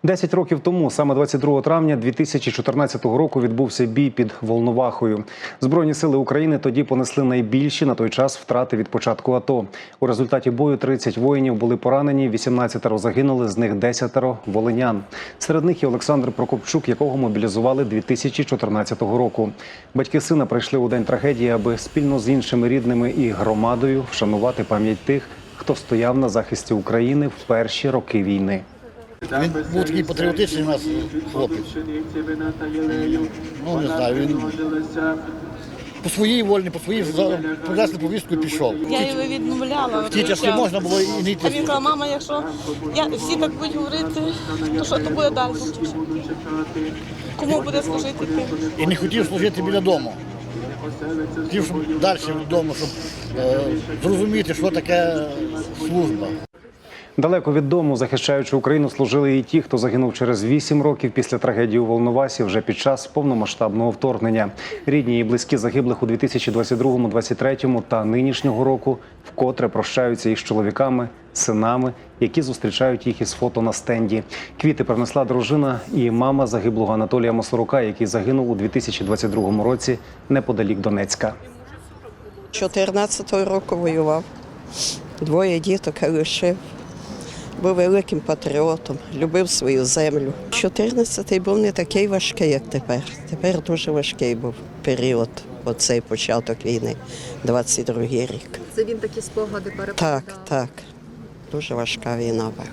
10 років тому, саме 22 травня 2014 року, відбувся бій під Волновахою. Збройні сили України тоді понесли найбільші на той час втрати від початку АТО. У результаті бою 30 воїнів були поранені, 18 загинули, з них 10 волинян. Серед них і Олександр Прокопчук, якого мобілізували 2014 року. Батьки сина прийшли у день трагедії, аби спільно з іншими рідними і громадою вшанувати пам'ять тих, хто стояв на захисті України в перші роки війни. Він був такий патріотичний у нас хлопець. Ну, не знаю, він по своїй волі, по своїй принесли повістку і пішов. Я його відмовляла. В ті часи можна було і не йти. А він казав, мама, якщо всі так будуть говорити, то що то буде далі? Кому буде служити тим? І не хотів служити біля дому. Хотів, щоб далі вдома, щоб зрозуміти, що таке служба. Далеко від дому, захищаючи Україну, служили і ті, хто загинув через 8 років після трагедії у Волновасі вже під час повномасштабного вторгнення. Рідні і близькі загиблих у 2022, 2023 та нинішнього року вкотре прощаються із чоловіками, синами, які зустрічають їх із фото на стенді. Квіти принесла дружина і мама загиблого Анатолія Мосорука, який загинув у 2022 році неподалік Донецька. 14-го року воював, 2 діток лишив. Був великим патріотом, любив свою землю. 14-й був не такий важкий, як тепер. Тепер дуже важкий був період, оцей початок війни, 22-й рік. Це він такі спогади переповідав? Так. Дуже важка війна була.